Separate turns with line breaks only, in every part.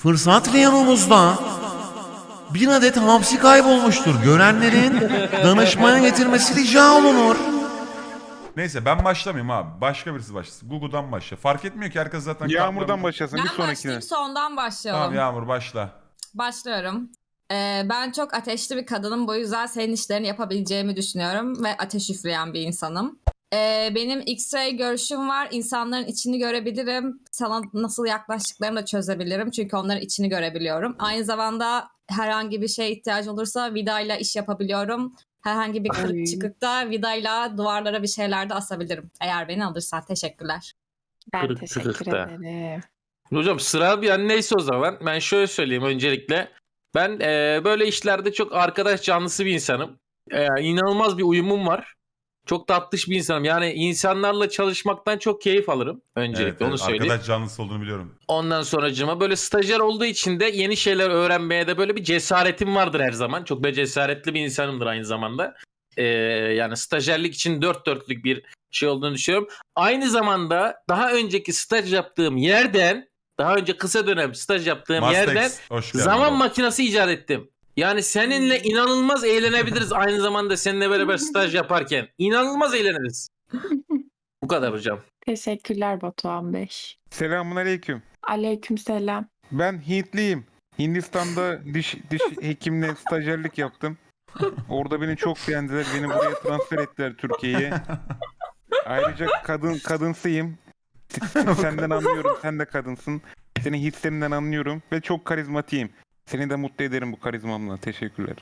Fırsat reyonumuzda bir adet hamsi kaybolmuştur. Görenlerin danışmaya getirmesi rica olunur.
Neyse ben başlamayayım abi. Başka birisi başlasın. Google'dan başla. Fark etmiyor ki herkes zaten...
Yağmurdan başlasın bir
Ben
sonrakine.
başlayayım, sondan başlayalım.
Tamam Yağmur başla.
Başlıyorum. Ben çok ateşli bir kadınım. Bu yüzden senin işlerini yapabileceğimi düşünüyorum. Ve ateş üfleyen bir insanım. Benim X-ray görüşüm var. İnsanların içini görebilirim. Sana nasıl yaklaştıklarını da çözebilirim. Çünkü onların içini görebiliyorum. Aynı zamanda herhangi bir şeye ihtiyacı olursa vidayla iş yapabiliyorum. Herhangi bir kırık çıkıkta vidayla duvarlara bir şeyler de asabilirim. Eğer beni alırsan. Teşekkürler.
Ben
Kırık
teşekkür
çıkıkta.
ederim.
Hocam sıra bir an neyse o zaman. Ben şöyle söyleyeyim öncelikle. Ben böyle işlerde çok arkadaş canlısı bir insanım. İnanılmaz bir uyumum var. Çok tatlış bir insanım. Yani insanlarla çalışmaktan çok keyif alırım. Öncelikle onu söyleyeyim.
Arkadaş canlısı olduğunu biliyorum.
Ondan sonracığıma böyle stajyer olduğu için de yeni şeyler öğrenmeye de böyle bir cesaretim vardır her zaman. Çok da cesaretli bir insanımdır aynı zamanda. Yani stajyerlik için dört dörtlük bir şey olduğunu düşünüyorum. Aynı zamanda daha önceki staj yaptığım yerden, daha önce kısa dönem staj yaptığım yerden
Mastex, hoş geldin.
zaman makinesi icat ettim. Yani seninle inanılmaz eğlenebiliriz aynı zamanda seninle beraber staj yaparken. İnanılmaz eğleniriz. Bu kadar hocam.
Teşekkürler Batuhan Bey.
Selamun aleyküm.
Aleykümselam.
Ben Hintliyim. Hindistan'da diş hekimle stajyerlik yaptım. Orada beni çok beğendiler. Beni buraya transfer ettiler Türkiye'ye. Ayrıca kadınsıyım. Senden anlıyorum. Sen de kadınsın. Senin hislerinden anlıyorum. Ve çok karizmatiyim. Seni de mutlu ederim bu karizmamla. Teşekkürler.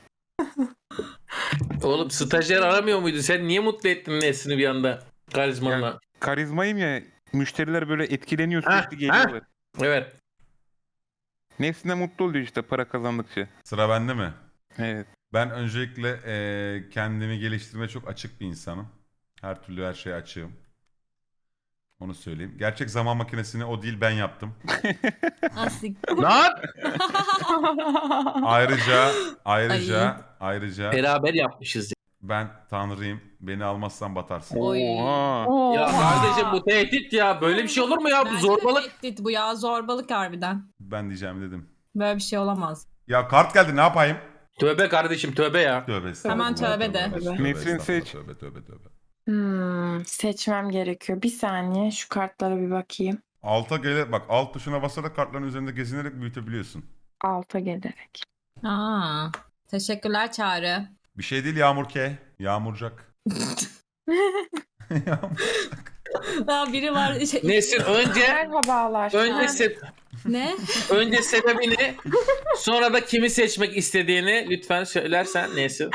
Oğlum stajyer aramıyor muydu? Sen niye mutlu ettin Nesrin'i bir anda karizmanla?
Karizmayım ya. Müşteriler böyle etkileniyor
Ha,
sürekli geliyorlar.
Evet.
Nefsine mutlu oluyor işte para kazandıkça.
Sıra bende mi?
Evet.
Ben öncelikle kendimi geliştirmeye çok açık bir insanım. Her türlü her şeye açığım. Onu söyleyeyim. Gerçek zaman makinesini o değil ben yaptım.
Asik.
Lan!
Ayrıca
Beraber yapmışız.
ben tanrıyım. Beni almazsan batarsın.
Oy.
Oha.
Ya kardeşim bu tehdit ya. Böyle bir şey olur mu ya? Bu
Bence de
zorbalık.
tehdit bu ya. Zorbalık harbiden.
Ben diyeceğimi dedim.
Böyle bir şey olamaz.
Ya kart geldi ne yapayım?
Tövbe kardeşim tövbe ya.
Tövbe estağfurullah.
Hemen tövbe de.
Nefsin
estağfurullah,
seç.
Tövbe.
Seçmem gerekiyor. Bir saniye şu kartlara bir bakayım.
Alta gelir bak alt tuşuna basarak kartların üzerinde gezinerek büyütebiliyorsun.
Alta gelerek.
Aa, teşekkürler Çağrı.
Bir şey değil Yağmur K. Yağmurcak.
Aa, biri var.
Nesin önce
Merhabalar.
Ne?
önce sebebini sonra da kimi seçmek istediğini lütfen söylersen Nesin.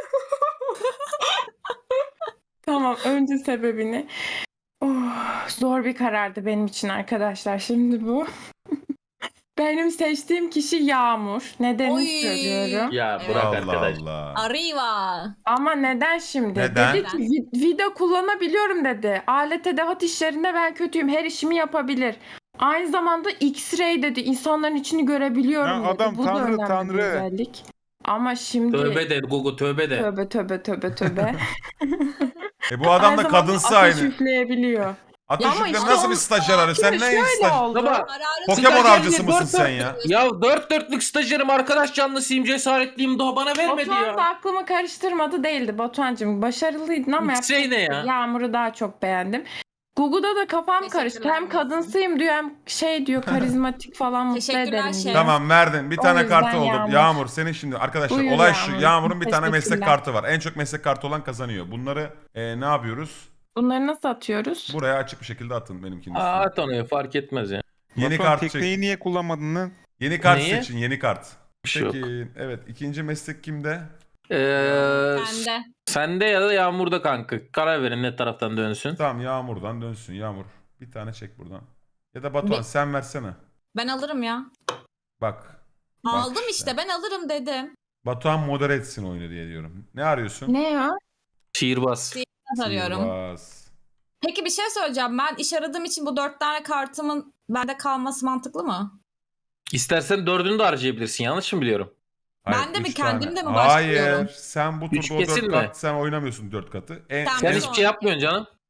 Tamam, önce sebebini. Zor bir karardı benim için arkadaşlar. Şimdi bu. Benim seçtiğim kişi Yağmur. Nedenini
Oy.
söylüyorum.
Ya bırak
Allah
arkadaş.
Allah.
Arriva.
Ama neden şimdi?
Neden?
Dedi ki vida kullanabiliyorum dedi. Alet edevat işlerinde ben kötüyüm. Her işimi yapabilir. Aynı zamanda X-ray dedi. İnsanların içini görebiliyorum
Ya
dedi.
adam
Bu da
tanrı,
önemli bir
tanrı.
özellik. Ama şimdi
Tövbe de Google tövbe de.
tövbe.
Bu adam
Aynı
da
zamanda
kadınsı
ateş
aynı.
üfleyebiliyor.
Ateş
Ya ama
üfle
işte
nasıl
o-
bir stajyer arıyor? Sen
Şimdi
ne
şöyle
staj...
oldu.
Baba
Kararı
Pokemon
stajyer
avcısı
diye
mısın
dört
sen ya?
ya dört dörtlük stajyerim arkadaş canlısıyım cesaretliyim daha bana vermedi
Batuhan da
ya.
aklımı karıştırmadı değildi Batuhan'cığım. Başarılıydın ama
X-ray ne ya?
Yağmur'u daha çok beğendim. Google'da da kafam karıştı.
Teşekkürler
Hem
Nesin.
kadınsıyım diyor hem şey diyor karizmatik falan mutlu
Teşekkürler
ederim
şef.
diyor.
Tamam verdin. Bir
O
tane
yüzden
kartı oldu.
Yağmur.
Yağmur senin şimdi arkadaşlar
Buyur
olay şu.
Yağmur.
Yağmur'un bir tane meslek
Teşekkürler.
kartı var. En çok meslek kartı olan kazanıyor. Bunları ne yapıyoruz?
Bunları nasıl atıyoruz?
Buraya açık bir şekilde atın benimkinin üstüne.
Aa tanıyor fark etmez ya.
Yeni
Batuhan,
kart
tekneyi
çek.
niye kullanmadın lan?
Yeni kart
Neyi?
seçin. Yeni kart.
Bir şey yok.
Peki evet ikinci meslek kimde?
Ben de.
Sende ya da Yağmur'da kanka. Karar verin ne taraftan dönsün.
Tamam Yağmur'dan dönsün. Yağmur bir tane çek buradan. Ya da Batuhan sen versene.
Ben alırım ya.
Bak.
Aldım
işte.
işte ben alırım dedim.
Batuhan modere etsin oyunu diye diyorum. Ne arıyorsun?
Ne ya?
Şiirbaz.
Arıyorum.
Sihirbaz.
Peki bir şey söyleyeceğim. Ben iş aradığım için bu 4 tane kartımın bende kalması mantıklı mı?
İstersen dördünü de harcayabilirsin. Yanlış mı biliyorum?
Ben de mi,
üç
kendim de mi
Hayır.
başlıyorum?
Sen bu
Üç
turda o
kesin
4
mi?
kat sen oynamıyorsun 4 katı.
Sen
Sen
Evet.
hiçbir şey yapmıyorsun canım.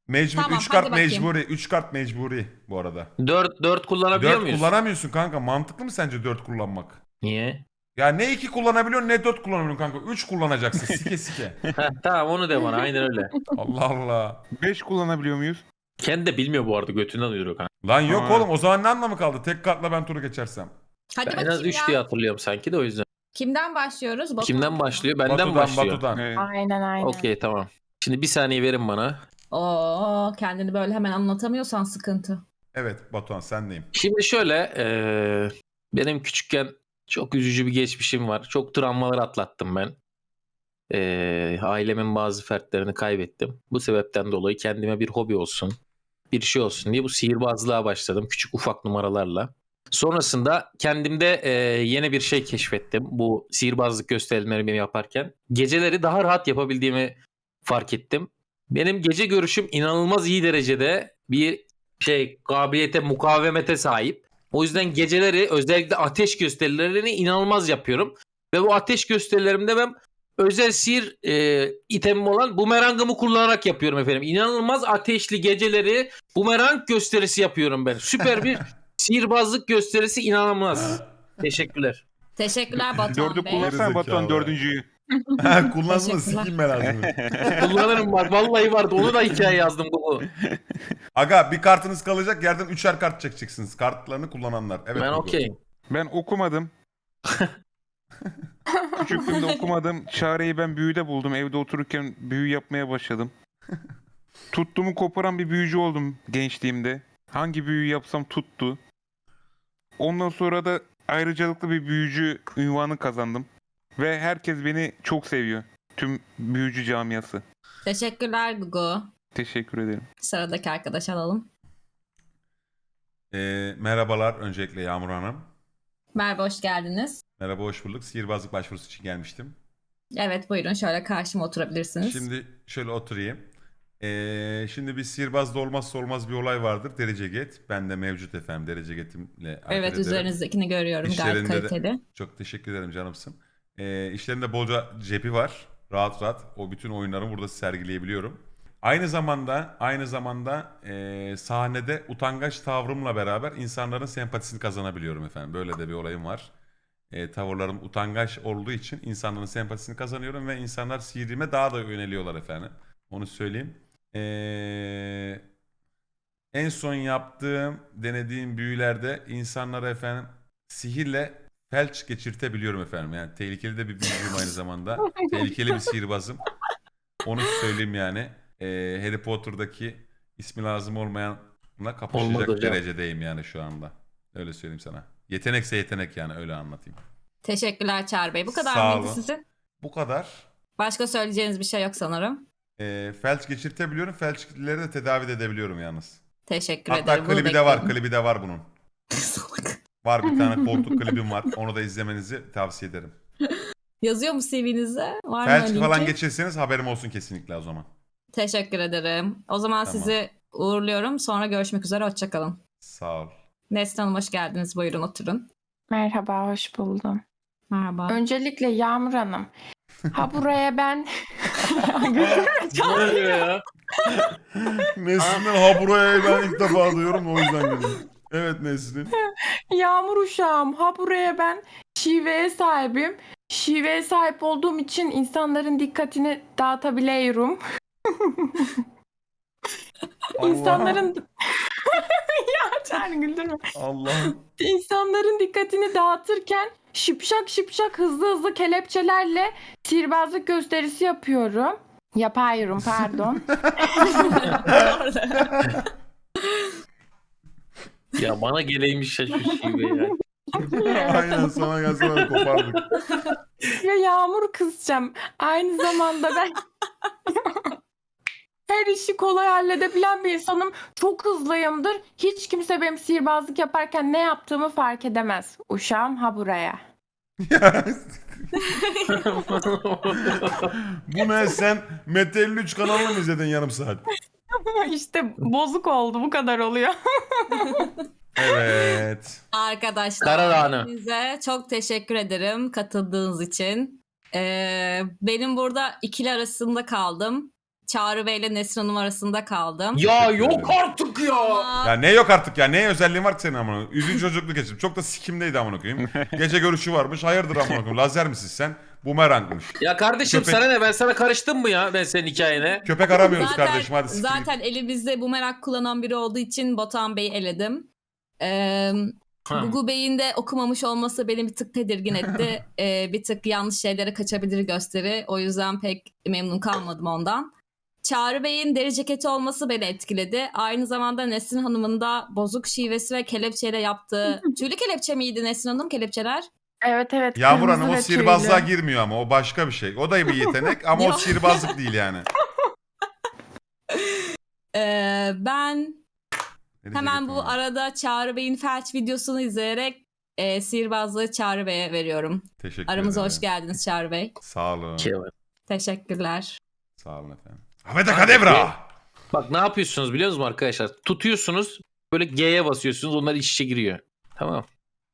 Mecbur
Tamam,
3 kart
hadi bakayım.
mecburi. 3 kart mecburi bu arada.
4 kullanabiliyor
4
muyuz?
kullanamıyorsun kanka. Mantıklı mı sence 4 kullanmak?
Niye?
Ya ne 2 kullanabiliyorsun ne 4 kullanabiliyorsun kanka. 3 kullanacaksın sike sike.
Heh, tamam onu de bana aynen öyle.
Allah Allah.
5 kullanabiliyor muyuz?
Kendi de bilmiyor bu arada götünden uyuyor kanka.
Lan yok
Aa.
oğlum o zaman ne anlamı kaldı? Tek kartla ben turu geçersem.
Hadi
Ben en az
bakayım
3
ya.
diye hatırlıyorum sanki de o yüzden.
Kimden başlıyoruz? Batuhan
Kimden
mı?
başlıyor? Benden
Batu'dan
başlıyor.
Batu'dan.
Evet.
Aynen.
Okey tamam. Şimdi bir saniye verin bana.
Oo, kendini böyle hemen anlatamıyorsan sıkıntı.
Evet Batuhan sendeyim.
Şimdi şöyle benim küçükken çok üzücü bir geçmişim var. Çok travmalar atlattım ben. Ailemin bazı fertlerini kaybettim. Bu sebepten dolayı kendime bir hobi olsun, bir şey olsun diye bu sihirbazlığa başladım. Küçük ufak numaralarla. Sonrasında kendimde yeni bir şey keşfettim. Bu sihirbazlık gösterimlerimi yaparken. Geceleri daha rahat yapabildiğimi fark ettim. Benim gece görüşüm inanılmaz iyi derecede bir kabiliyete, mukavemete sahip. O yüzden geceleri özellikle ateş gösterilerini inanılmaz yapıyorum. Ve bu ateş gösterilerimde ben özel sihir itemim olan bumerangımı kullanarak yapıyorum efendim. İnanılmaz ateşli geceleri bumerang gösterisi yapıyorum ben. Süper bir sihirbazlık gösterisi inanılmaz. Teşekkürler.
Teşekkürler Batuhan
4'ü
Bey.
kullanırsan Batuhan
Gerizekalı.
4.'yü.
Kullansın
Teşekkürler.
sikeyim ben ağzını.
Kullanırım bak vallahi vardı. Onu da hikaye yazdım bu.
Aga bir kartınız kalacak yerden 3'er kart çekeceksiniz. Kartlarını kullananlar. Evet.
Ben
Hugo.
okeyim.
Ben okumadım. Küçüklüğümde okumadım. Çareyi ben büyüde buldum. Evde otururken büyü yapmaya başladım. Tuttuğumu koparan bir büyücü oldum gençliğimde. Hangi büyüyü yapsam tuttu. Ondan sonra da ayrıcalıklı bir büyücü unvanı kazandım. Ve herkes beni çok seviyor. Tüm büyücü camiası.
Teşekkürler Gugu.
Teşekkür ederim.
Sıradaki arkadaş alalım.
Merhabalar öncelikle Yağmur Hanım.
Merhaba, hoş geldiniz.
Merhaba hoş bulduk. Sihirbazlık başvurusu için gelmiştim.
Evet, buyurun şöyle karşıma oturabilirsiniz.
Şimdi şöyle oturayım. Şimdi bir sihirbazda olmazsa olmaz bir olay vardır. Derece get. Ben de mevcut efendim. Derece getimle hareket
Evet,
ederim.
üzerinizdekini görüyorum, gayet
İşlerinde de-
kaliteli.
Çok teşekkür ederim canımsın. İşlerinde bolca cebi var. Rahat rahat o bütün oyunlarımı burada sergileyebiliyorum. Aynı zamanda sahnede utangaç tavrımla beraber insanların sempatisini kazanabiliyorum efendim. Böyle de bir olayım var. Tavırlarım utangaç olduğu için insanların sempatisini kazanıyorum ve insanlar sihirime daha da yöneliyorlar efendim. Onu söyleyeyim. En son denediğim büyülerde insanlara efendim sihirle felç geçirtebiliyorum efendim. Yani tehlikeli de bir büyücüyüm aynı zamanda. Tehlikeli bir sihirbazım. Onu söyleyeyim yani. Harry Potter'daki ismi lazım olmayanla kapışacak
Olmadı hocam.
derecedeyim yani şu anda. Öyle söyleyeyim sana. Yetenekse yetenek yani öyle anlatayım.
Teşekkürler Çağrı Bey. Bu kadar
Sağ
mıydı
olun.
sizin?
Bu kadar.
Başka söyleyeceğiniz bir şey yok sanırım.
Felç geçirtebiliyorum. Felçleri de tedavi de edebiliyorum yalnız.
Teşekkür
Hatta
ederim. Bunu
klibi de var.
bekledim.
Klibi de var bunun. Var bir tane koltuk klibim var. Onu da izlemenizi tavsiye ederim.
Yazıyor mu CV'nize? Var mı
Felç
linki?
falan geçirseniz haberim olsun kesinlikle o zaman.
Teşekkür ederim. O zaman
Tamam.
sizi uğurluyorum. Sonra görüşmek üzere. Hoşçakalın.
Sağ ol.
Nesrin Hanım hoş geldiniz. Buyurun oturun.
Merhaba, hoş buldum.
Merhaba.
Öncelikle Yağmur Hanım. Ha buraya ben...
Ne oluyor ya?
Nesrin'den ha buraya ben ilk defa duyuyorum o yüzden dedim. Evet Nesrin.
Yağmur uşağım. Ha buraya ben şiveye sahibim. Şiveye sahip olduğum için insanların dikkatini dağıtabiliyorum. İnsanların... ya Çağrı güldürme.
Allah'ım.
İnsanların dikkatini dağıtırken şıpşak şıpşak hızlı kelepçelerle sihirbazlık gösterisi yapıyorum. Yapıyorum pardon.
Ya bana geleymiş ya şu şive ya.
Aynen sana gelse ben kopardık.
Ve Yağmur kızacağım. Aynı zamanda ben her işi kolay halledebilen bir insanım. Çok hızlıyımdır. Hiç kimse benim sihirbazlık yaparken ne yaptığımı fark edemez. Uşağım ha buraya.
Bu ne sen Mete 53 kanalını mı izledin yarım saat?
İşte bozuk oldu, bu kadar oluyor.
Evet.
Arkadaşlar
Karadağ'ını.
hepinize çok teşekkür ederim katıldığınız için. Benim burada ikili arasında kaldım. Çağrı Bey ile Nesrin Hanım arasında kaldım.
Ya yok artık ya.
Ama
Ya ne yok artık ya? Ne özelliğin var ki senin amına? Üzücü çocukluk geçirdim. Çok da sikimdeydi amına koyayım. Gece görüşü varmış. Hayırdır amına koyayım? Lazer misin sen? Bumerangmış.
Ya kardeşim
Köpek-
sana ne, ben sana karıştım mı ya ben senin hikayene?
Köpek aramıyoruz
zaten,
kardeşim, hadi sikeyim.
zaten elimizde bu merak kullanan biri olduğu için Batuhan Bey'i eledim.
Ha.
Gugu Bey'in de okumamış olması beni bir tık tedirgin etti. Bir tık yanlış şeylere kaçabilir gösteri. O yüzden pek memnun kalmadım ondan. Çağrı Bey'in deri ceketi olması beni etkiledi. Aynı zamanda Nesrin Hanım'ın da bozuk şivesi ve kelepçeyle yaptığı... Tüylü kelepçe miydi Nesrin Hanım kelepçeler?
Evet evet.
Yağmur
kırmızı
Hanım o
ve
sihirbazlığa
tüylü.
girmiyor ama o başka bir şey. O da bir yetenek ama o
Yok.
sihirbazlık değil yani.
Ben
Ne
hemen
diyecektim
bu
ama?
arada Çağrı Bey'in felç videosunu izleyerek sihirbazlığı Çağrı Bey'e veriyorum.
Teşekkür
Aramıza
ederim.
hoş geldiniz Çağrı Bey.
Sağ olun.
Teşekkürler.
Sağ olun efendim. Ahmet Kadevra.
Bak ne yapıyorsunuz biliyor musunuz arkadaşlar? Tutuyorsunuz böyle G'ye basıyorsunuz, onlar iç içe giriyor. Tamam.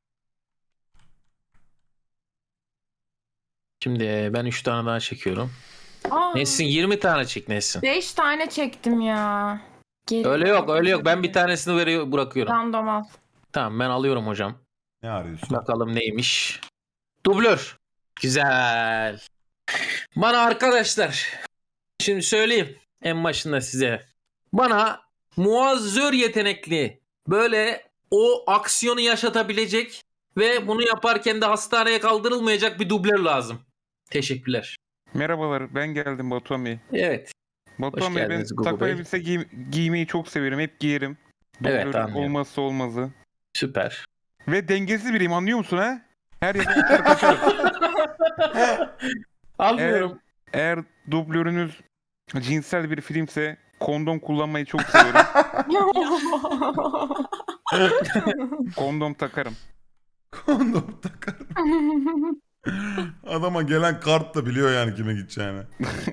Şimdi ben 3 tane daha çekiyorum.
Aa,
Nesin 20 tane çek Nesin.
5 tane çektim ya. Geri
Öyle yok öyle yok, ben bir tanesini bırakıyorum.
Random al.
Tamam ben alıyorum hocam.
Ne arıyorsun?
Bakalım neymiş. Dublör. Güzel. Bana arkadaşlar, şimdi söyleyeyim en başında size. Bana muazzör yetenekli, böyle o aksiyonu yaşatabilecek ve bunu yaparken de hastaneye kaldırılmayacak bir dublör lazım. Teşekkürler.
Merhabalar, ben geldim Batuhan Bey.
Evet.
Batuhan Bey, ben
geldiniz Gugu
takım
Bey.
elbise giymeyi çok severim. Hep giyerim.
Evet,
Dublörün
anlıyorum.
olmazsa olmazı.
Süper.
Ve dengesiz biriyim, anlıyor musun ha? Her yere uçar kaçarım.
Anlıyorum.
Eğer dublörünüz cinsel bir filmse kondom kullanmayı çok severim. Kondom takarım.
Kondom takar. Adama gelen kart da biliyor yani kime gideceğini.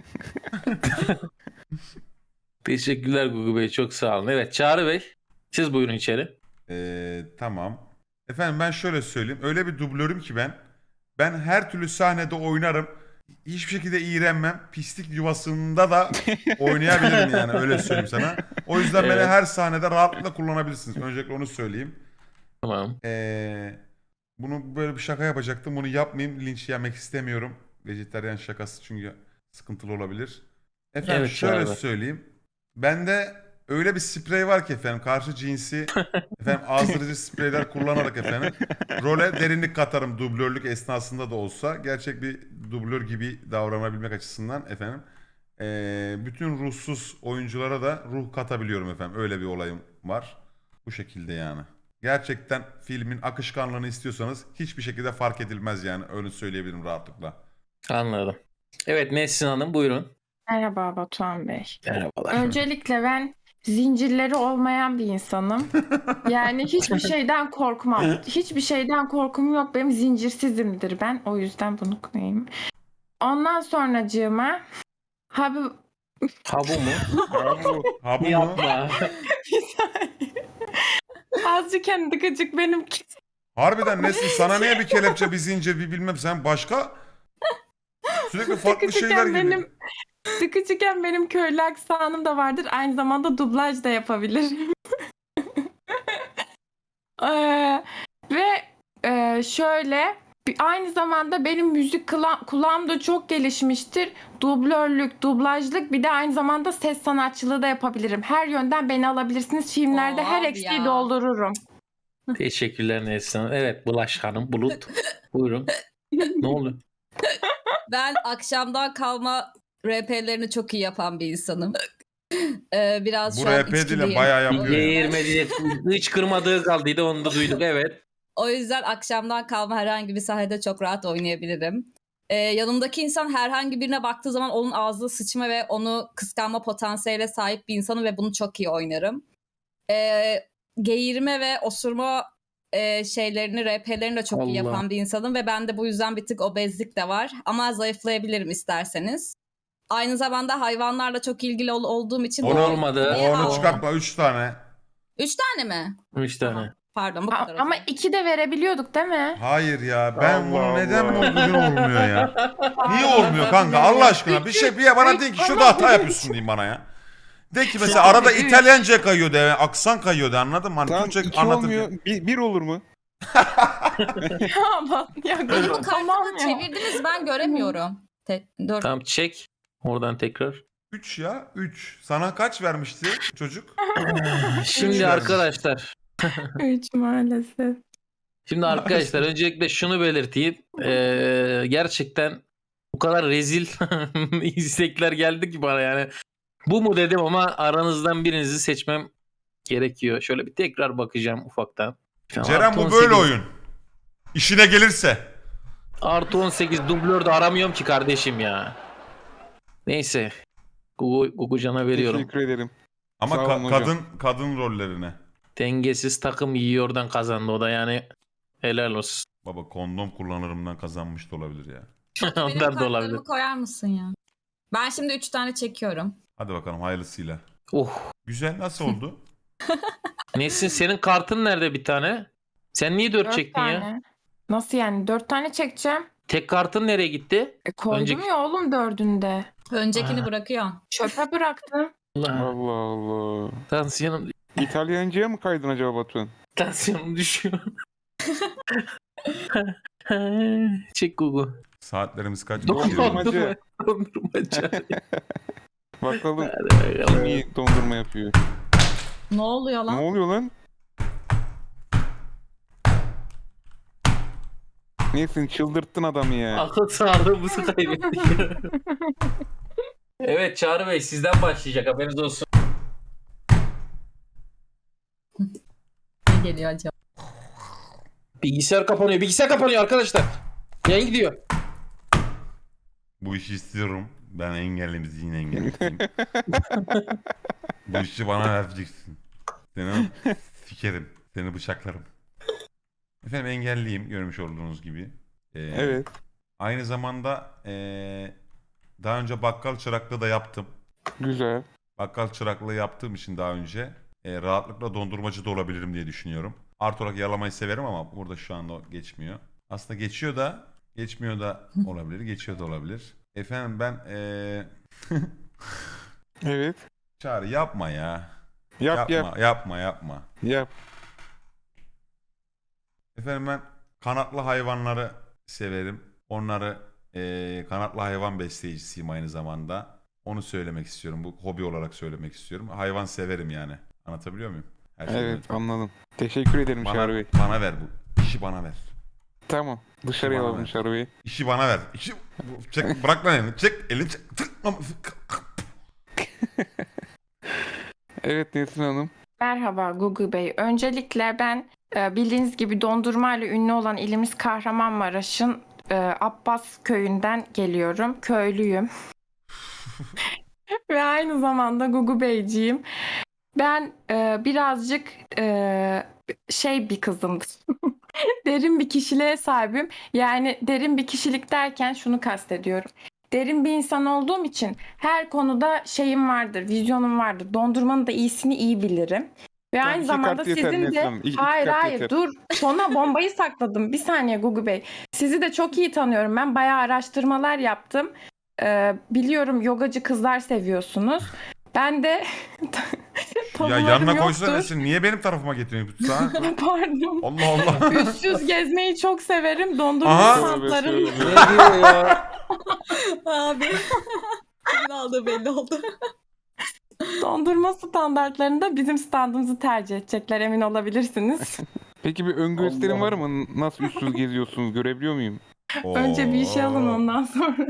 Teşekkürler Gugu Bey, çok sağ olun. Evet Çağrı Bey, siz buyurun içeri.
Tamam. Efendim ben şöyle söyleyeyim. Öyle bir dublörüm ki ben. Ben her türlü sahnede oynarım. Hiçbir şekilde iğrenmem. Pislik yuvasında da oynayabilirim yani, öyle söyleyeyim sana. O yüzden beni
Evet.
her sahnede rahatlıkla kullanabilirsiniz. Öncelikle onu söyleyeyim.
Tamam.
Bunu böyle bir şaka yapacaktım. Bunu yapmayayım. Linç yemek istemiyorum. Vejetaryen şakası çünkü sıkıntılı olabilir. Efendim
Evet,
şöyle
Çağrı.
söyleyeyim. Bende öyle bir sprey var ki efendim, karşı cinsi efendim azdırıcı spreyler kullanarak efendim role derinlik katarım, dublörlük esnasında da olsa. Gerçek bir dublör gibi davranabilmek açısından efendim. Bütün ruhsuz oyunculara da ruh katabiliyorum efendim. Öyle bir olayım var. Bu şekilde yani. Gerçekten filmin akışkanlığını istiyorsanız hiçbir şekilde fark edilmez yani. Öyle söyleyebilirim rahatlıkla.
Anladım. Evet Nesrin Hanım buyurun.
Merhaba Batuhan Bey.
Merhabalar.
Öncelikle ben zincirleri olmayan bir insanım. Yani hiçbir şeyden korkmam. Hiçbir şeyden korkum yok. Benim zincirsizimdir ben. O yüzden bunu koyayım. Ondan sonracığıma Habib...
Ha bu mu?
Ha bu mu?
Yapma.
Azıcık kendi gıcık benim.
Harbiden Nesin, sana niye bir kelepçe, bir zincir, bir bilmem, sen başka sürekli farklı şeyler gibi.
Sıkıcıken benim köylü aksanım da vardır. Aynı zamanda dublaj da yapabilirim. Şöyle aynı zamanda benim müzik kulağım da çok gelişmiştir. Dublörlük, dublajlık, bir de aynı zamanda ses sanatçılığı da yapabilirim. Her yönden beni alabilirsiniz. Filmlerde her
Abi
eksiği
ya.
doldururum.
Teşekkürler Nesrin Hanım. Evet Bulaş Hanım, Bulut. Buyurun. Ne oldu?
Ben akşamdan kalma RP'lerini çok iyi yapan bir insanım. Biraz
Bu
şu an
RP değil de
içkiliyim.
bayağı yapıyor ya.
Değirmedi. Hiç kırmadığı kaldıydı, onu da duyduk. Evet.
O yüzden akşamdan kalma herhangi bir sahnede çok rahat oynayabilirim. Yanımdaki insan herhangi birine baktığı zaman onun ağzına sıçma ve onu kıskanma potansiyeline sahip bir insanım ve bunu çok iyi oynarım. Geğirme ve osurma şeylerini, RP'lerini de çok iyi
Allah.
yapan bir insanım ve bende bu yüzden bir tık obezlik de var. Ama zayıflayabilirim isterseniz. Aynı zamanda hayvanlarla çok ilgili olduğum için...
Onu
Olmadı.
Niye
Onu
aldın?
çıkartma, 3 tane.
3 tane mi?
3 tane.
Pardon bu kadar. o
Ama
zaman.
2 de verebiliyorduk değil mi?
Hayır ya ben
Allah
bunu neden
Allah.
bugün olmuyor ya? Niye olmuyor
Özür
kanka
dilerim.
Allah aşkına bir bana deyin ki şurada hata yapıyorsun diyeyim bana ya. De ki mesela arada İtalyanca kayıyor de aksan kayıyor de anladın mı? Hani
Tamam
Türkçe
2
anlatırken.
olmuyor. Bir olur mu?
Ya
Benim bu
tamam
kartımı
ya.
çevirdiniz ben göremiyorum. 4.
Tamam çek. Oradan tekrar.
3 ya 3. Sana kaç vermişti çocuk?
Şimdi
Üç
arkadaşlar.
3 maalesef.
Şimdi arkadaşlar öncelikle şunu belirteyim. Gerçekten bu kadar rezil istekler geldi ki bana yani. Bu mu dedim ama aranızdan birinizi seçmem gerekiyor. Şöyle bir tekrar bakacağım ufaktan.
Ceren
Artı
bu
18
böyle oyun. İşine gelirse.
Artı 18 dublör de aramıyorum ki kardeşim ya. Neyse. Gugucan'a veriyorum.
Teşekkür ederim.
Ama
Sağ olun hocam.
kadın rollerine.
Dengesiz takım yiyordan kazandı o da yani. Helal olsun.
Baba kondom kullanırımdan kazanmış da olabilir ya.
Benim
Ondan da
kartlarımı
olabilir.
koyar mısın ya? Ben şimdi 3 tane çekiyorum.
Hadi bakalım hayırlısıyla.
Oh.
Güzel nasıl oldu?
Nesin senin kartın nerede bir tane? Sen niye 4
4
çektin ya?
tane. Nasıl yani? 4 tane çekeceğim.
Tek kartın nereye gitti?
Koydum
Önceki-
ya oğlum 4'ünde.
Öncekini bırakıyorum.
Çöpe bıraktım.
Allah.
Allah Allah.
Tansiyonum,
İtalyanca'ya mı kaydın acaba Batuhan?
tansiyonum düşüyor. Çek Gugu.
Saatlerimiz kaç?
Dondurmacı.
Dondurmacı.
Bakalım
Hadi bakalım.
kim iyi dondurma yapıyor.
Ne oluyor
Ne
lan?
oluyor lan? Neyse çıldırttın adamı ya.
Akıl sağlığımızı kaybettik. Evet Çağrı Bey sizden başlayacak haberiniz olsun.
Ne geliyor acaba?
Bilgisayar kapanıyor arkadaşlar. Yayın gidiyor.
Bu işi istiyorum. Ben engelliyim, zihin engelliyim. Bu işi bana vereceksin. Seni sikerim. Seni bıçaklarım. Efendim engelliyim görmüş olduğunuz gibi.
Evet.
Aynı zamanda daha önce bakkal çıraklığı da yaptım.
Güzel.
Bakkal çıraklığı yaptığım için daha önce rahatlıkla dondurmacı da olabilirim diye düşünüyorum. Artı olarak yalamayı severim ama burada şu anda o geçmiyor. Aslında geçiyor da geçmiyor da olabilir. Geçiyor da olabilir. Efendim ben
Evet.
Çağrı yapma ya.
Yap.
Yapma.
Yap.
Efendim ben kanatlı hayvanları severim. Onları kanatlı hayvan besleyicisiyim aynı zamanda. Onu söylemek istiyorum. Bu hobi olarak söylemek istiyorum. Hayvan severim yani. Anlatabiliyor muyum? Her şeyden
Evet
öte.
anladım. Teşekkür ederim Çağrı Bey.
Bana ver bu. İşi bana ver.
Tamam. Dışarıya
Bana
alalım
ver.
Çağrı Bey.
İşi bana ver. Çek, bırak lan elini. Çek elini çek.
Evet Nesrin Hanım.
Merhaba Gugu Bey. Öncelikle ben bildiğiniz gibi dondurmayla ünlü olan ilimiz Kahramanmaraş'ın Abbas köyünden geliyorum. Köylüyüm. Ve aynı zamanda Gugu Beyciğim. Ben birazcık şey bir kızımdır. Derin bir kişiliğe sahibim. Yani derin bir kişilik derken şunu kastediyorum. Derin bir insan olduğum için her konuda şeyim vardır, vizyonum vardır. Dondurmanın da iyisini iyi bilirim. Ve
Tamam,
aynı
iki
zamanda
kart yeter
sizin
Neslihan
de
Hanım, iki
hayır
kart
hayır
yeter.
dur sona bombayı sakladım. Bir saniye Gugu Bey. Sizi de çok iyi tanıyorum. Ben bayağı araştırmalar yaptım. Biliyorum yogacı kızlar seviyorsunuz. Ben de
Ya
tabularım
yanına
yoktur.
koysana Esin. Niye benim tarafıma getiriyorsun? Sana?
Pardon.
Allah Allah.
Üstsüz gezmeyi çok severim. Dondurma
Aha.
standlarım.
Ne diyor ya?
Abi. Kimin aldığı belli oldu.
Dondurma standartlarında bizim standımızı tercih edecekler emin olabilirsiniz.
Peki bir ön gösterim
Allah
var mı? Nasıl üstsüz geziyorsunuz? Görebiliyor muyum?
Önce bir işe alın ondan sonra.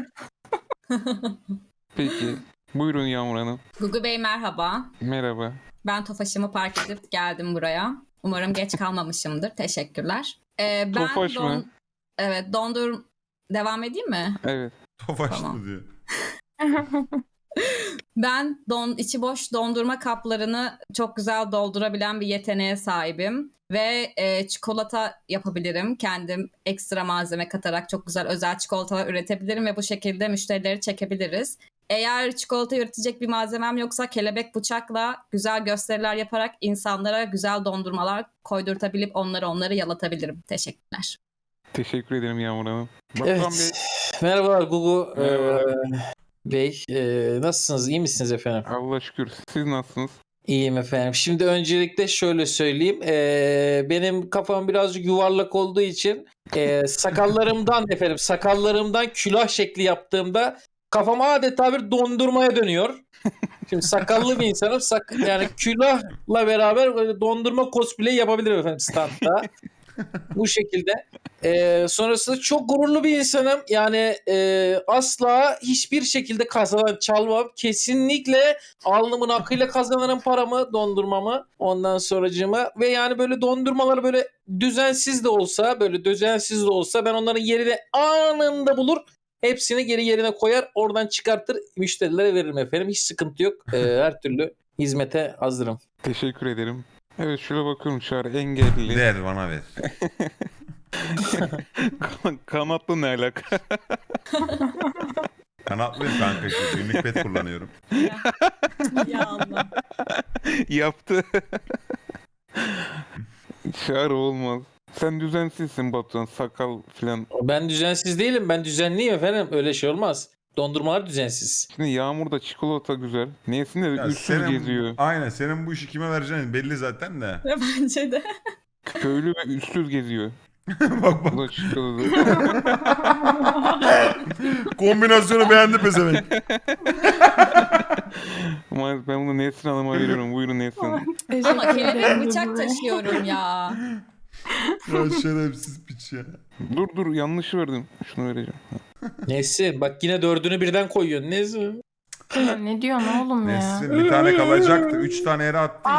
Peki. Buyurun Yağmur Hanım.
Gugu Bey merhaba.
Merhaba.
Ben Tofaş'ımı park edip geldim buraya. Umarım geç kalmamışımdır. Teşekkürler. Ben
Tofaş mı?
Evet devam edeyim mi?
Evet.
Tofaşlı
Tamam.
diyor.
Ben içi boş dondurma kaplarını çok güzel doldurabilen bir yeteneğe sahibim. Ve çikolata yapabilirim. Kendim ekstra malzeme katarak çok güzel özel çikolatalar üretebilirim ve bu şekilde müşterileri çekebiliriz. Eğer çikolata üretecek bir malzemem yoksa kelebek bıçakla güzel gösteriler yaparak insanlara güzel dondurmalar koydurtabilip onları yalatabilirim. Teşekkürler.
Teşekkür ederim Yağmur Hanım. Batuhan Bey,
Evet. Merhabalar Gugu
Merhaba.
Bey. Nasılsınız? İyi misiniz efendim?
Allah şükür. Siz nasılsınız?
İyiyim efendim. Şimdi öncelikle şöyle söyleyeyim. Benim kafam birazcık yuvarlak olduğu için sakallarımdan külah şekli yaptığımda kafam adeta bir dondurmaya dönüyor. Şimdi sakallı bir insanım. Yani külahla beraber böyle dondurma cosplay yapabilirim efendim standta. Bu şekilde. Sonrasında çok gururlu bir insanım. Yani asla hiçbir şekilde çalmam. Kesinlikle alnımın akıyla kazanırım paramı, dondurmamı. Ondan sonracığıma. Ve yani böyle dondurmaları böyle düzensiz de olsa ben onların yerini anında bulur. Hepsini geri yerine koyar. Oradan çıkartır. Müşterilere veririm efendim. Hiç sıkıntı yok. Her türlü hizmete hazırım.
Teşekkür ederim. Evet şöyle bakıyorum Çağrı engelli.
Ver bana ver.
Kanatlı ne alaka?
Kanatlıyım kanka işte. Günlük pet kullanıyorum.
Ya Allah.
Yaptı. Çağrı olmaz. Sen düzensizsin Batuhan. Sakal filan.
Ben düzensiz değilim. Ben düzenliyim efendim. Öyle şey olmaz. Dondurmalar düzensiz.
Şimdi Yağmur'da çikolata güzel. Niyesinde de
Ya
üstsüz geziyor.
Aynen senin bu işi kime vereceğin belli zaten de.
Bence de.
Köylü ve üstsüz geziyor.
Bak bak.
Bu da çikolata.
Kombinasyonu beğendi pezevenk.
Maalesef ben bunu Nesrin Hanım'a veriyorum. Buyurun Nesrin Hanım.
Ama kelebek bıçak taşıyorum ya.
Ya şerefsiz piç ya.
Dur yanlışı verdim. Şunu vereceğim.
Neyse bak yine 4'ünü birden koyuyorsun. Neyse.
Ya ne diyorsun oğlum ya?
Nesrin bir tane kalacaktı. 3 tane yere attın ya.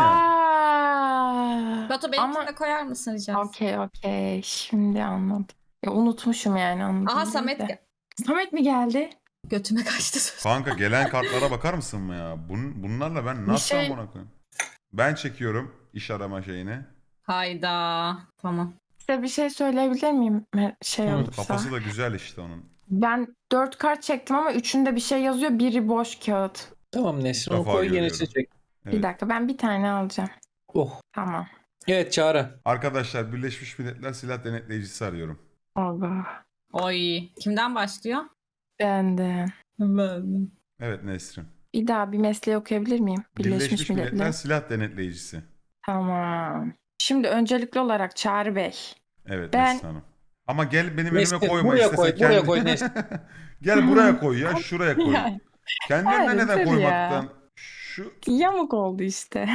Aa,
Batu benimkine
ama
koyar mısın rica etsem?
okey. Şimdi anladım. Ya, unutmuşum yani anladım.
Aha Samet
Samet mi geldi?
götüme kaçtı söz.
Kanka gelen kartlara bakar mısın mı ya? Bunlarla ben
Bir
nasıl
şey-
amına koyayım? Ben çekiyorum iş arama şeyini.
Hayda. Tamam.
Size bir şey söyleyebilir miyim? Şey
Hı,
olursa.
Kafası da güzel işte onun.
Ben 4 kart çektim ama üçünde bir şey yazıyor. Biri boş kağıt.
Tamam Nesrin onu
Defa
koy
görüyorum.
yenisini çek.
Evet.
Bir dakika ben bir tane alacağım.
Oh.
Tamam.
Evet Çağrı.
Arkadaşlar Birleşmiş Milletler Silah Denetleyicisi arıyorum.
Allah.
Oy. Kimden başlıyor?
Benden.
Ben.
Evet Nesrin.
Bir daha bir mesleği okuyabilir miyim?
Birleşmiş Milletler Silah Denetleyicisi.
Tamam. Şimdi öncelikli olarak Çağrı Bey.
Evet
Ben-
Nesrin Hanım. Ama gel benim
Nesrin,
önüme koyma
buraya
istesen
koy,
kendi...
buraya koy Nesrin.
Gel buraya koy ya, şuraya koy.
Yani,
Kendine
hayır,
neden
dur
koymaktan? Şu
yamuk oldu işte.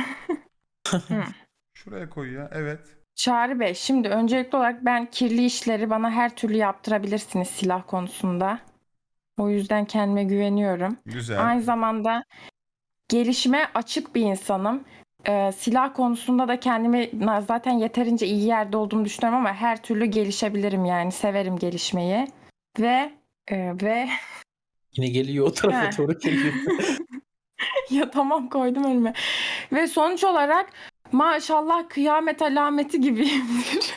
şuraya koy ya. Evet.
Çağrı Bey, şimdi öncelikli olarak ben kirli işleri bana her türlü yaptırabilirsiniz silah konusunda. O yüzden kendime güveniyorum.
Güzel.
Aynı zamanda gelişime açık bir insanım. Silah konusunda da kendimi zaten yeterince iyi yerde olduğumu düşünüyorum ama her türlü gelişebilirim yani. Severim gelişmeyi. Ve
Yine geliyor o tarafa
He.
doğru geliyor.
ya tamam koydum önüme. Ve sonuç olarak maşallah kıyamet alameti gibiyimdir.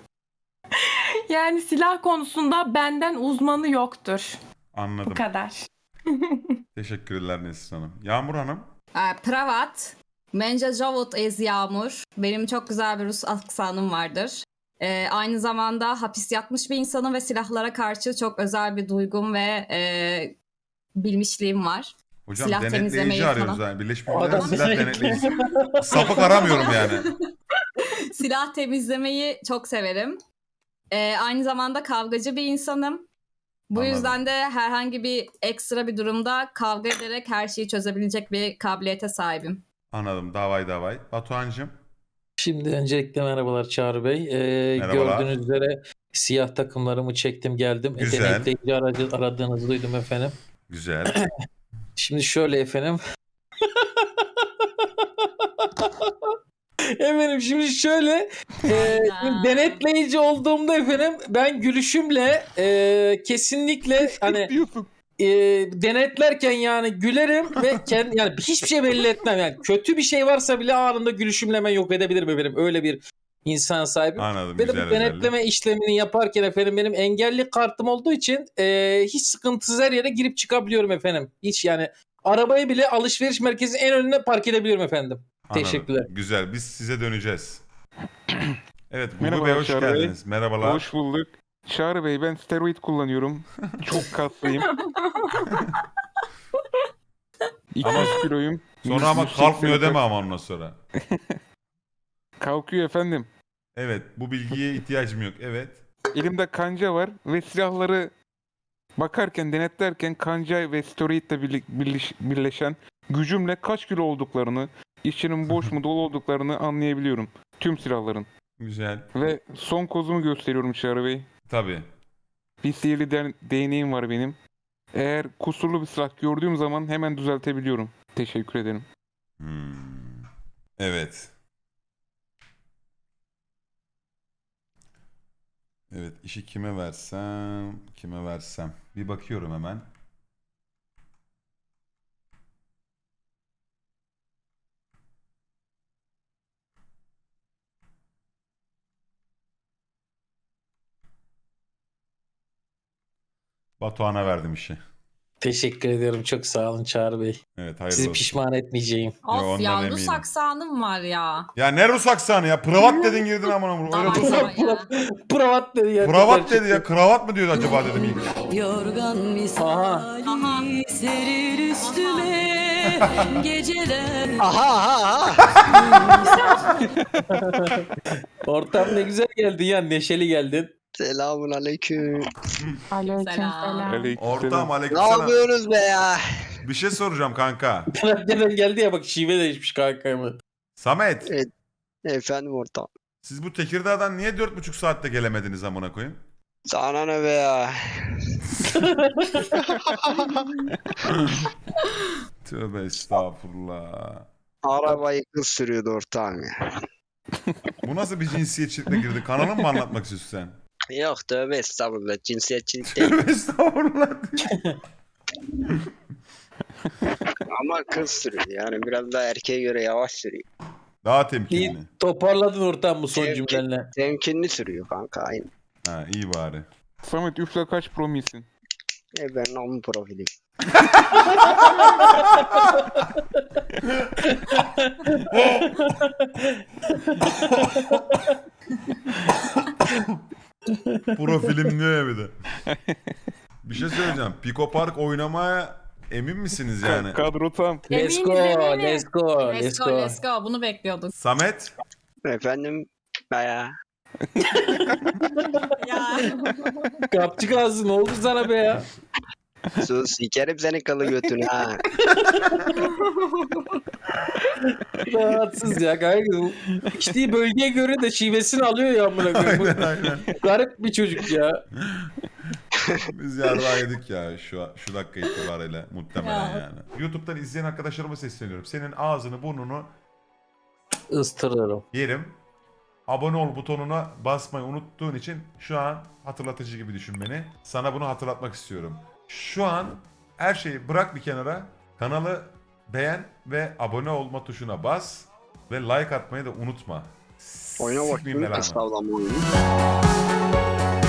Yani silah konusunda benden uzmanı yoktur. Bu
Anladım.
kadar.
Teşekkürler Nesrin Hanım. Yağmur Hanım.
Pravat. Mence Javut ez Yağmur. Benim çok güzel bir Rus aksanım vardır. Aynı zamanda hapis yatmış bir insanım ve silahlara karşı çok özel bir duygum ve bilmişliğim var.
Hocam
Silah
denetleyici
temizlemeyi
arıyoruz
falan.
yani. Birleşmiş
O
Milletler
adam
Silah
denetli.
Denetleyicisi. Sapık aramıyorum yani.
Silah temizlemeyi çok severim. Aynı zamanda kavgacı bir insanım. Bu
Anladım.
yüzden de herhangi bir ekstra bir durumda kavga ederek her şeyi çözebilecek bir kabiliyete sahibim.
Anladım. Davay. Batuhan'cığım.
Şimdi öncelikle merhabalar Çağrı Bey.
Merhabalar.
Gördüğünüz üzere siyah takımlarımı çektim geldim.
Güzel.
Denetleyici aradığınızı duydum efendim.
Güzel.
Şimdi şöyle efendim. Efendim şimdi şöyle
Hayda.
denetleyici olduğumda efendim ben gülüşümle kesinlikle hani
Diyorsun.
denetlerken yani gülerim ve yani hiçbir şey belli etmem yani kötü bir şey varsa bile anında gülüşümle hemen yok edebilirim efendim öyle bir insan sahibi.
Anladım.
Benim
Güzel
bu denetleme işlemini yaparken efendim benim engelli kartım olduğu için hiç sıkıntısız her yere girip çıkabiliyorum efendim. Hiç yani arabayı bile alışveriş merkezinin en önüne park edebiliyorum efendim.
Anladım.
Teşekkürler.
Güzel. Biz size döneceğiz. Evet. Gugu
Merhaba
Bey hoş
Çağrı Bey.
geldiniz. Merhabalar.
Hoş bulduk. Çağrı Bey ben steroid kullanıyorum. Çok kaslıyım. 200 kiloyum.
Sonra ama
180
kalkmıyor deme
kaç-
ama ondan sonra.
Kalkıyor efendim.
Evet. Bu bilgiye ihtiyacım yok. Evet.
Elimde kanca var ve silahları bakarken, denetlerken kanca ve steroidle birleşen gücümle kaç kilo olduklarını, içinin boş mu dolu olduklarını anlayabiliyorum. Tüm silahların.
Güzel.
Ve son kozumu gösteriyorum Çağrı Bey.
Tabii.
Bir sihirli değneğim var benim. Eğer kusurlu bir silah gördüğüm zaman hemen düzeltebiliyorum. Teşekkür ederim.
Evet. Evet, işi kime versem. Bir bakıyorum hemen. Batuhan'a verdim işi.
Teşekkür ediyorum. Çok sağ olun Çağrı Bey.
Evet, hayırlı
Sizi
olsun.
pişman etmeyeceğim.
ondan
Of ya
eminim.
Rus aksanım var ya.
Ya ne Rus aksanı ya? Pravat dedin girdin amına koyayım. Öyle
Tamam
Rus
tamam ya.
Pravat dedi ya.
Pravat dedi ya. Kravat mı diyordu acaba dedim ilk.
Yorgan misali serir üstüme geceler.
Ortam ne güzel geldin ya. Neşeli geldin.
Selamun aleyküm.
Aleykümselam.
Aleykümselam.
Ortam
Ne
aleykümselam.
yapıyorsunuz be ya?
Bir şey soracağım kanka.
Nereden geldi ya bak şive değişmiş kankayımı.
Samet.
Evet. Efendim ortam.
Siz bu Tekirdağ'dan niye 4,5 saatte gelemediniz amına koyayım?
Sana ne be ya?
Tövbe estağfurullah.
Arabayı kız sürüyordu ortağım ya.
Bu nasıl bir cinsiyetçilikle girdi? Kanalını mı anlatmak istiyorsun sen?
Yok tövbe estağfurullah. Cinsiyetçilik değil.
Tövbe estağfurullah.
Ama kız sürüyor. Yani biraz daha erkeğe göre yavaş sürüyor.
Daha
İyi
temkinli.
toparladın ortam bu son
Temkin.
cümlenle.
Temkinli sürüyor kanka aynı.
Ha iyi bari.
Samet üfle kaç promisin?
Ben onun profili.
Profilim diyor ya bir de. Bir şey söyleyeceğim. Pico Park oynamaya emin misiniz yani?
Kadro tam.
Let's
Eminiz,
go,
eminiz.
let's go,
Let's go let's go. Bunu bekliyorduk.
Samet.
Efendim ya.
Ya.
Kapçık ağzı ne oldu sana be ya?
Sus sikerim senin kalı götünü ha.
Rahatsız ya kanka. İçtiği bölgeye göre de şivesini alıyor ya amına koyayım.
Aynen aynen.
Garip bir çocuk ya.
Biz yarrağı yedik ya şu dakika itibariyle muhtemelen
Ya.
yani. YouTube'dan izleyen arkadaşlarıma sesleniyorum. Senin ağzını burnunu
Istırırım.
yerim. Abone ol butonuna basmayı unuttuğun için şu an hatırlatıcı gibi düşün beni. Sana bunu hatırlatmak istiyorum. Şu an her şeyi bırak bir kenara. Kanalı beğen ve abone olma tuşuna bas. Ve like atmayı da unutma.
Oyuna
Sikmeyeyim
bakayım.
belanı.
Estağfurullah oyunu.